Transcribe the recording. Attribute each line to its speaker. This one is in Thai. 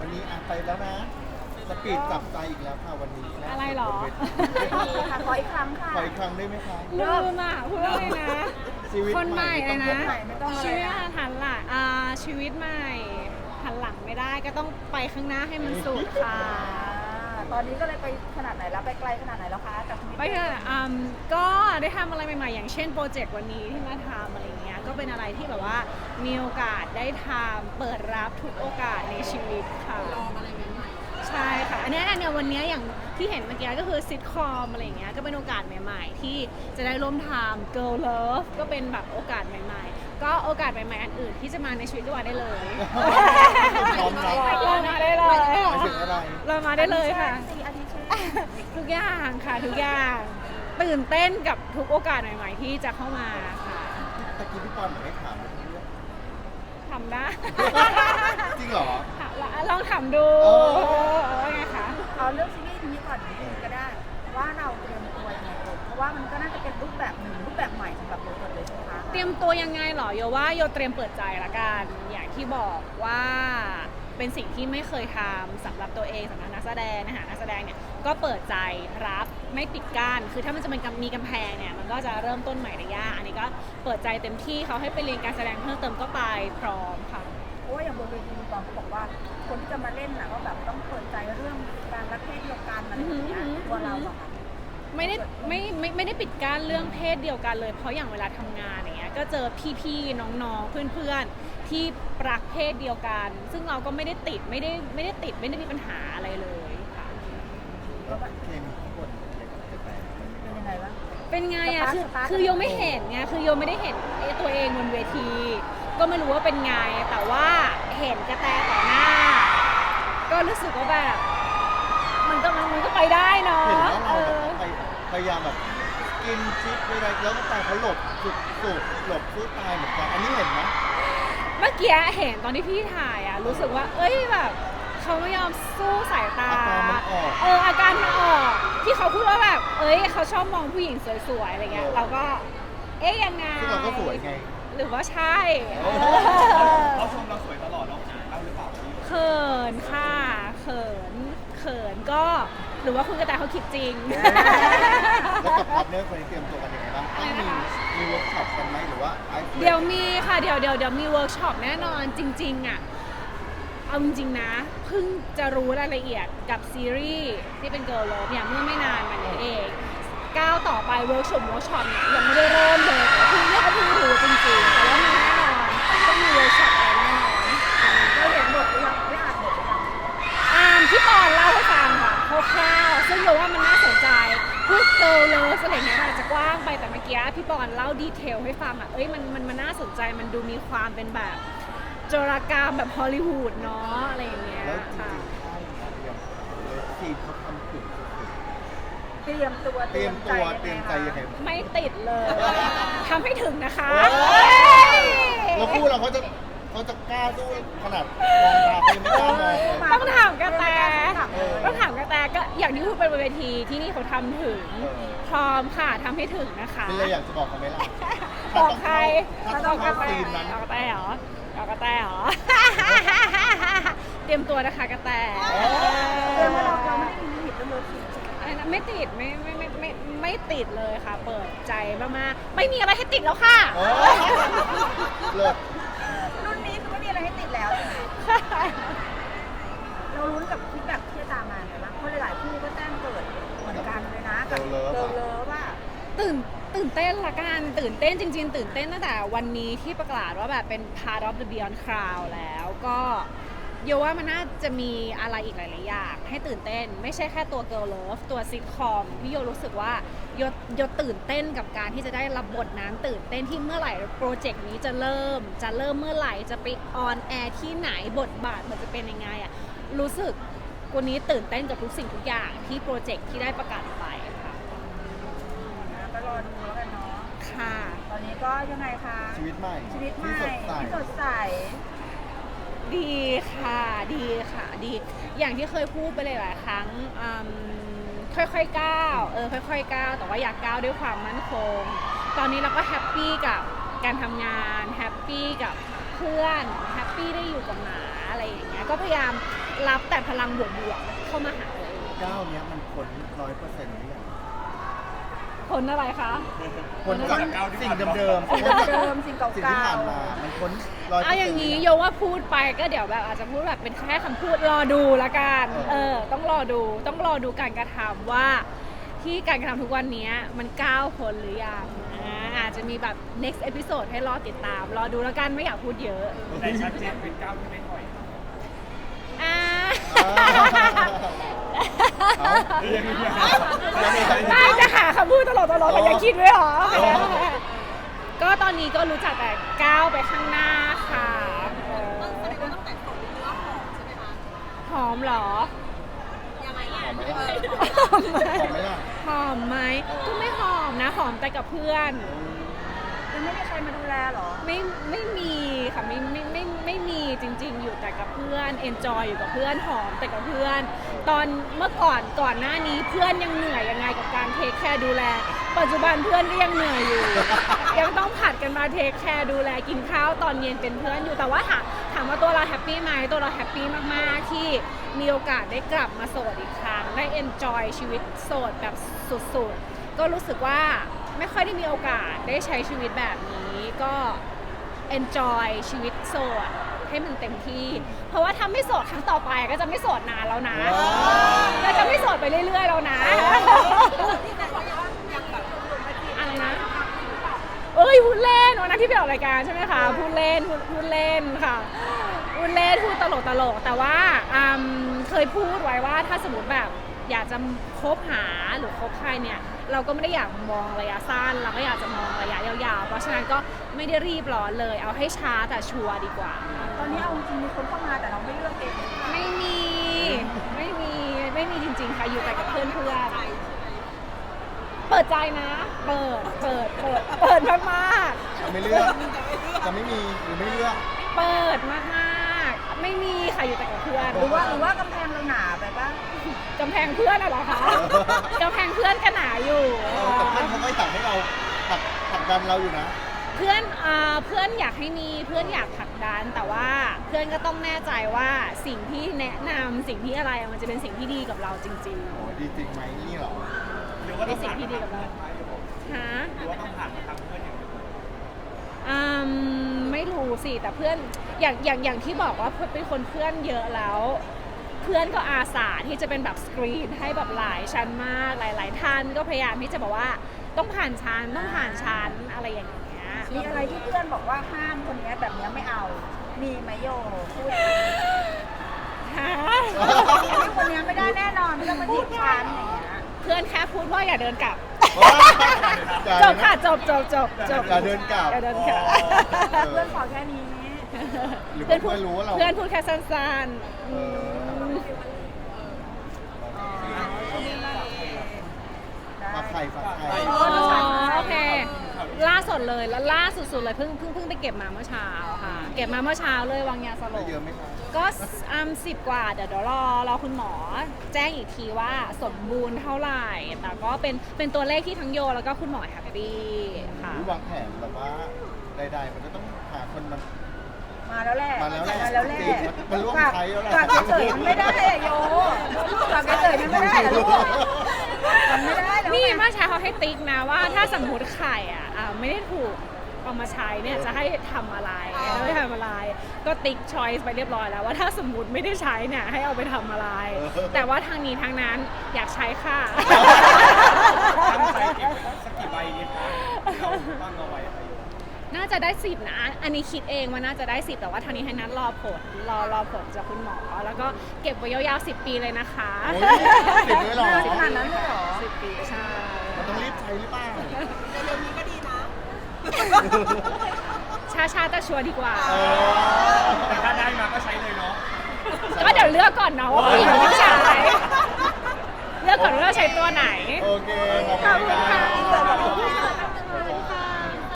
Speaker 1: วันนี้ไปแล้วนะสปีดจับใจอีกแล้วค่ะวันนี้น
Speaker 2: อะไรหรอ
Speaker 1: บนเวที
Speaker 3: ค่ะขออีกครั้งค่ะ
Speaker 1: ขออีกครั้งได้ไหมคะ
Speaker 2: ลืมอ่ะพูดว่าอะไรนะ
Speaker 1: ชีวิต
Speaker 2: คนใหม่
Speaker 1: ต้
Speaker 2: เล
Speaker 1: อย ง
Speaker 2: นะ
Speaker 1: ใหม่
Speaker 3: ไม่ต้องอะไร
Speaker 2: ชีวิตหันหลังชีวิตใหม่หันหลังไม่ได้ก็ต้องไปข้างหน้าให้มันสุดค่ะ
Speaker 3: ตอนนี้ก็เลยไปขนาดไหนแล้วไปไกลขนาดไหนแล้วคะกับชีวิต
Speaker 2: ไปเถอะก็ได้ทำอะไรใหม่ๆอย่างเช่นโปรเจกต์วันนี้ที่มาทำอะไรอย่างเงี้ยก็เป็นอะไรที่แบบว่ามีโอกาสได้ทำเปิดรับทุกโอกาสในชีวิตค่ะลองอะไรใหม่ๆใช่ค่ะอันเนี้ยวันเนี้ยอย่างที่เห็นเมื่อกี้ก็คือซิทคอมอะไรอย่างเงี้ยก็เป็นโอกาสใหม่ๆที่จะได้ร่วมทำ Girl Love ก็เป็นแบบโอกาสใหม่ๆก็โอกาสใหม่ๆอันอื่นที่จะมาในชีวิตก็มาได้เลย
Speaker 1: พร้อมรับ
Speaker 2: เรามาได้เลย
Speaker 1: หมายถึงอะไร
Speaker 2: เรามาได้เลยค่ะ
Speaker 3: อาทิตย์เช่น
Speaker 2: ทุกอย่างค่ะทุกอย่างตื่นเต้นกับทุกโอกาสใหม่ๆที่จะเข้ามาค่ะ
Speaker 1: ตะกี้พี่ปอนเหมือนให้ถามเรื่อง
Speaker 2: ทำได้
Speaker 1: จริงเหรอ
Speaker 2: ลองทำดู
Speaker 1: เออ
Speaker 2: ไงคะ
Speaker 3: เอาเรื่องซีรีส์นี้ก่อนนิดนึงก็ได้ ว่าเราเตรียมตัวยังไงก่อนเพราะว่ามันก็น่าจะเป็นรูปแบบหนึ่งรูปแบบใหม่สำหรับโบกเลยใช่ไหมคะ
Speaker 2: เตรียมตัวยังไงเหรอโยว่าโยเตรียมเปิดใจละกันอย่างที่บอกว่าเป็นสิ่งที่ไม่เคยทำสำหรับตัวเองสำหรับนักแสดงนะคะนักแสดงเนี่ยก็เปิดใจรับไม่ปิดกั้นคือถ้ามันจะเป็นมีกำแพงเนี่ยมันก็จะเริ่มต้นใหม่ได้ยากอันนี้ก็เปิดใจเต็มที่เขาให้ไปเรียนการแสดงเพิ่มเติมก็ไปพร้อมค่ะ
Speaker 3: เพราะว่าอย่างบนเวทีตอนเขาบอกว่า คนที่จะมาเล่นน่ะก็แบบต้องเปิดใจเรื่องการรักเพศเดียวกันอะไรอย่างเงี้ยตัวเราอะค่ะ
Speaker 2: ไม่ได้ปิดกั้นเรื่องเพศเดียวกันเลยเพราะอย่างเวลาทำงานอย่างเงี้ยก็เจอพี่ๆน้องๆเพื่อนๆที่รักเพศเดียวกัน ซึ่งเราก็ไม่ได้ติดไม่ได้มีปัญหาอะไรเลยค่ะ
Speaker 1: แล้วเคมีข้างบนจะแปล
Speaker 3: เป็นยังไงวะ
Speaker 2: เป็นไงอ่ะ
Speaker 3: สตาร์ท
Speaker 2: คือโยไม่เห็นไงคือโยไม่ได้เห็นตัวเองบนเวที ก็ไม่รู้ว่าเป็นไงแต่ว่าเห็นกระแตต่อหน้า ก็รู้สึกว่าแบบมันก็ไปได้เนาะ
Speaker 1: เห็นแล้วเราแบบพยายามแบบกินชิปไปอะไรแล้วก็แต่เขาหลบสุดหลบสู้ตายเหมือนกันอันนี้เห็นไหม
Speaker 2: เมื่อกี้เห็นตอนที่พี่ถ่ายอ่ะรู้สึกว่าเอ้ยแบบเขาไม่ยอมสู้สายตา
Speaker 1: อาการมันออก
Speaker 2: อาการมันออกที่เขาพูดว่าแบบเอ้ยเขาชอบมองผู้หญิงสวยๆอะไรเงี้ยเราก็เอ๊ยยังไง
Speaker 1: ซึ่งเราก็สวยไง
Speaker 2: หรือว่าใช่
Speaker 4: เขาชมเราสวยตลอดเราหรือเปล่า
Speaker 2: เขินค่ะเขินก็หรือว่าคุณกระต่ายเขาคิดจริง
Speaker 1: แล้วกับพาร์ทเนอร์คนนี้เตรียมตัวกันยังไงบ้างต้องมีเวิร์กช็อปกันไหมหรือว่าไอซ์
Speaker 2: เดี๋ยวมีค่ะเดี๋ยวมีเวิร์กช็อปแน่นอนจริงๆอ่ะเอาจริงๆนะเพิ่งจะรู้รายละเอียดกับซีรีส์ที่เป็น Girl Love เนี่ยเมื่อไม่นานมานี้เองก้าวต่อไปเวิร์กช็อปเนี่ยยังไม่ได้เริ่มเลยแต่เพิ่งรู้จริงๆแต่ว่ามีแน่นอนต้องมีเวิร์กช็อปอะไรแน่นอน
Speaker 3: เราเห็นบทหรือยังไม่อ่านบทหรือยัง
Speaker 2: พี่ปอนเล่าให้ฟังค่ะคร่าวๆซึ่งโยว่ามันน่าสนใจพูดเกิร์ลเลิฟอะไรอย่างเงี้ยมันอาจจะกว้างไปแต่เมื่อกี้พี่ปอนเล่าดีเทลให้ฟังอ่ะเอ้ยมันน่าสนใจมันดูมีความเป็นแบบโจรกรรมแบบฮอลลีวูดเนาะอะไรอย่างเงี้ย
Speaker 1: แล้วจริ
Speaker 2: ค่ะ
Speaker 1: งๆค่ายเนี่ยเตรียมเลยทีมเขาทำถึงสุด
Speaker 3: เตรียมตัว
Speaker 1: ๆเตรียมตัวเตรียมใจยังไง
Speaker 2: ไม่ติดเลยทำให้ถึงนะคะ
Speaker 1: เราพูดเราเขาจะกล้าสู้ขนาดมองตาเขายังไม่กล้ามองเลย
Speaker 2: ต้องถามกระแตต้องถามกระแตก็อย่างที่พูดไปบนเวทีที่นี่เขาทำถึงพร้อมค่ะทำให้ถึงนะคะ
Speaker 1: เป็นอะไรอยากจะบอกเขาไหมล่ะ
Speaker 2: บอกใคร
Speaker 1: ถ้าต้องเข้าซีนนั้น
Speaker 2: บอกกระแตเหรอบอกกระแตเหรอ เตรียมตัวนะคะกระแต
Speaker 3: เตรียมว่าเราไม่ได้มีลิมิตเรื่องเลิฟซีน
Speaker 2: อะไรนะไม่ติดไม่ติดเลยค่ะ เปิดใจมากๆไม่มีอะไรให้ติดแล้วค่ะ
Speaker 1: โอ้เลิศ
Speaker 3: รุ่นนี้คือไม่มีอะไรให้ติดแล้วใช่ไหมเราลุ้นกับฟีดแบ็กที่จะตามมาไงบ้างเพราะหลายๆคู่ก็แจ้งเกิดเหมือนกันเลยนะกับเลิฟว่า
Speaker 2: ตื่นเต้นละกันตื่นเต้นจริงๆตื่นเต้นตั้งแต่วันนี้ที่ประกาศว่าแบบเป็น part of the Beyond Crowd แล้วก็โยว่ามันน่าจะมีอะไรอีกหลายๆอย่างให้ตื่นเต้นไม่ใช่แค่ตัว Girl Love ตัวซิทคอมที่โยรู้สึกว่าโยตื่นเต้นกับการที่จะได้รับบทนั้นตื่นเต้นที่เมื่อไหร่โปรเจกต์นี้จะเริ่มเมื่อไหร่จะไปออนแอร์ที่ไหนบทบาทมันจะเป็นยังไงอะรู้สึกวันนี้ตื่นเต้นกับทุกสิ่งทุกอย่างที่โปรเจกต์ที่ได้ประกาศไปค่ะ
Speaker 3: ก็รอดูแล้วกันเนาะ
Speaker 2: ค่ะ
Speaker 3: ตอนนี้ก็ยังไงคะ
Speaker 1: ชีวิตใหม่
Speaker 3: ชีวิตใหม่
Speaker 1: ที่สดใส
Speaker 2: ดีค่ะดี อย่างที่เคยพูดไปเลยหลายครั้งค่อยๆก้าวค่อยๆก้าวแต่ว่าอยากก้าวด้วยความมั่นคง ตอนนี้เราก็แฮปปี้กับการทำงานแฮปปี้กับเพื่อนแฮปปี้ได้อยู่กับหมาอะไรอย่างเงี้ยก็พยายามรับแต่พลังบวกๆเข้ามาหาตัวเอง
Speaker 1: ก้าวเนี้ยมันพ้น100%หรือยัง
Speaker 2: คนอะไรคะ
Speaker 1: พ้นจากสิ่งเดิมๆ
Speaker 3: สิ่งเดิมสิ่งเก่าๆ
Speaker 1: สิ่งที่ผ่านมา มันพ้น100%
Speaker 2: เอาอย่างนี้โยว่าพูดไปก็เดี๋ยวแบบอาจจะพูดแบบเป็นแค่คำพูดรอดูละกันต้องรอดูการกระทำว่าที่การกระทำทุกวันนี้มันก้าวพ้นหรือยังอาจจะมีแบบ next episode ให้รอติดตามรอดูแล้วกันไม่อยากพูดเยอะ
Speaker 4: แต่ชัดเจนเป็นก้าวที่ไม่ถอย
Speaker 2: อ่า
Speaker 1: เอา
Speaker 2: ได้จะหาคำพูดตลอดแต่ยังคิดไว้หรอ ก็ตอนนี้ก็รู้จักแต่ก้าวไปข้างหน้าค่ะหอมเหรอ
Speaker 1: หอมไหมล่ะ
Speaker 2: หอมไหมก็ไม่หอมนะหอมแต่กับเพื่อน
Speaker 3: ยังไม่มีใครมาดูแลเหรอ
Speaker 2: ไม่มีค่ะไม่มีจริงๆ อยู่แต่กับเพื่อน enjoy อยู่กับเพื่อนหอมแต่กับเพื่อน ตอนเมื่อก่อนหน้านี้เพื่อนยังเหนื่อยยังไงกับการเทคแคร์ดูแล ปัจจุบันเพื่อนก็ยังเหนื่อยอยู่ ยังต้องผัดกันมาเทคแคร์ดูแลกินข้าวตอนเย็นเป็นเพื่อนอยู่แต่ว่าถามว่าตัวเราแฮปปี้ไหมตัวเราแฮปปี้มากๆที่มีโอกาสได้กลับมาโสดอีกครั้งได้ enjoy ชีวิตโสดแบบสุดๆก็รู้สึกว่าไม่ค่อยได้มีโอกาสได้ใช้ชีวิตแบบนี้ก็ enjoy ชีวิตโสดให้มันเต็มที่ เพราะว่าถ้าไม่โสดครั้งต่อไปก็จะไม่โสดนานแล้วนะก็จะไม่โสดไปเรื่อยๆแล้วนะอะไรนะพูดเล่นวันนั้นที่ไปออกรายการใช่ไหมคะพูดเล่นค่ะพูดเล่นพูดตลกแต่ว่าเคยพูดไว้ว่าถ้าสมมติแบบอยากจะคบหาหรือคบใครเนี่ยเราก็ไม่ได้อยากมองระยะสั้นเราก็อยากจะมองระยะยาวๆเพราะฉะนั้นก็ไม่ได้รีบร้อนเลยเอาให้ช้าแต่ชัวร์ดีกว่า
Speaker 3: ตอนนี้เอาจริงมีคนเข้ามาแต่เราไม่เลือกเอง
Speaker 2: ไม่มีจริงๆค่ะอยู่แต่กับเพื่อนเปิดใจนะเปิดมาก
Speaker 1: ไม่เลือก จะไม่มีหรือไม่เลือก
Speaker 2: ๆเปิดมากๆไม่มีค่ะอยู่แต่กับเพื่อน
Speaker 3: หรือว่ากำแพงเราหนาไปป่ะ
Speaker 2: กำแพงเพื่อนเหรอคะกำแพงเพื่อนก็หนาอยู่
Speaker 1: แต่เพื่อนเขาก็อยากให้เราผลักดันเราอยู่นะ
Speaker 2: เพื่อนอยากให้มีเพื่อนอยากผลักดันแต่ว่าเพื่อนก็ต้องแน่ใจว่าสิ่งที่แนะนำสิ่งที่อะไรมันจะเป็นสิ่งที่ดีกับเราจริง
Speaker 1: โอ้ดีจริงไหมนี่เหรอ
Speaker 4: หรือว่า
Speaker 2: ๆ
Speaker 4: ต้
Speaker 2: เป็
Speaker 4: อน ง
Speaker 2: สิ่
Speaker 4: ผ่าง น
Speaker 2: ที่ดีกับเราฮะ
Speaker 4: หรือว่าต้องผ่านมาทางเพื่อนอย่างเดียว
Speaker 2: ไม่รู้สิแต่เพื่อนอย่างที่บอกว่าเป็นคนเพื่อนเยอะแล้ว เพื่อนก็อาสาที่จะเป็นแบบสกรีนให้แบบหลายชั้นมากหลายท่านก็พยายามที่จะบอกว่าต้องผ่านชั้นอะไรอย่างเงี้ย
Speaker 3: มีอะไรที่เพื่อนบอกว่าห้ามคนนี้แบบนี้ไม่เอา มีไหมโยพูด
Speaker 2: ฮะ
Speaker 3: คนนี้ไม่ได้แน่นอนไม่ต้องมาจีบฉันอย่างเงี้ย
Speaker 2: เพื่อนแค่พูดว่าอย่าเดินกลับ
Speaker 1: อย่า
Speaker 2: จบค่ะจบ
Speaker 1: อย่าเดินกลับ
Speaker 2: อย่าเดินกลับ
Speaker 3: เพื่อนขอแค่นี้
Speaker 1: หรือว่าเพื่อนรู้ว่าเรา
Speaker 2: เพื่อนพูดแค่สั้นๆ
Speaker 1: เออฝากไข่ฝากไข่
Speaker 2: โอเค ล่าสุดเลยแล้วล่าสุดๆเลยเพิ่งไปเก็บมาเมื่อเช้าค่ะ เก็บมาเมื่อเช้าเลยวางยาสล
Speaker 1: ได้
Speaker 2: บ
Speaker 1: เยอะไหมคะ
Speaker 2: ก็10 กว่าเดี๋ยวรอคุณหมอแจ้งอีกทีว่าสมบูรณ์เท่าไหร่ แต่ก็เป็นตัวเลขที่ทั้งโยแล้วก็คุณหมอแฮปปี้ค่ะ
Speaker 1: หรือวางแผนแบบว่าใดๆมันจะต้องหาคนมา
Speaker 3: มาแล้วแหละ
Speaker 1: มาแล้วแหละ
Speaker 3: จริง
Speaker 1: มันร่วมใช้แล้วแหละ
Speaker 3: ฝากเฉยๆมันไม่ได้อะโยฝากเฉยๆมันไม่ได้อะลูกมันไม่ได้แล้ว
Speaker 2: นี่เมื่อเช้าเขาให้ติ๊กนะว่าถ้าสมมติไข่ไม่ได้ถูกเอามาใช้เนี่ยจะให้ทำอะไรไม่ทำอะไร ก็ติ๊กชอยส์ไปเรียบร้อยแล้วว่าถ้าสมมติไม่ได้ใช้เนี่ยให้เอาไปทำอะไร แต่ว่าทางนี้ทางนั้นอยากใช้ค่ะ
Speaker 4: ตั้งใจเก็บสักกี่ใบดีคะที่เราตั้งเอาไว้
Speaker 2: น่าจะได้10นะอันนี้คิดเองว่าน่าจะได้10แต่ว่าทางนี้ทางนั้นรอผลจากคุณหมอแล้วก็เก็บไว้ยาวๆ10 ปีเลยนะคะ
Speaker 1: โอ้ยติดเลยเหรอ
Speaker 3: ขนาดนั้นเลยเหรอ
Speaker 2: 10 ปีใช่
Speaker 1: มันต้องรีบใช้หรือเปล่า
Speaker 2: ช้าๆแต่ชัวร์ดีกว่า
Speaker 4: แต่ถ้าได้มาก็ใช้เลยเนาะ
Speaker 2: ก็เดี๋ยวเลือกก่อนเนาะว่าผู้หญิงหรือผู้ชายเลือกก่อนว่าเราใช้ตัวไหน
Speaker 1: โอเค ขอบ
Speaker 2: ขอบ
Speaker 1: คุ
Speaker 2: คุณ
Speaker 1: ณ
Speaker 2: ค่ะ
Speaker 1: ค่ะ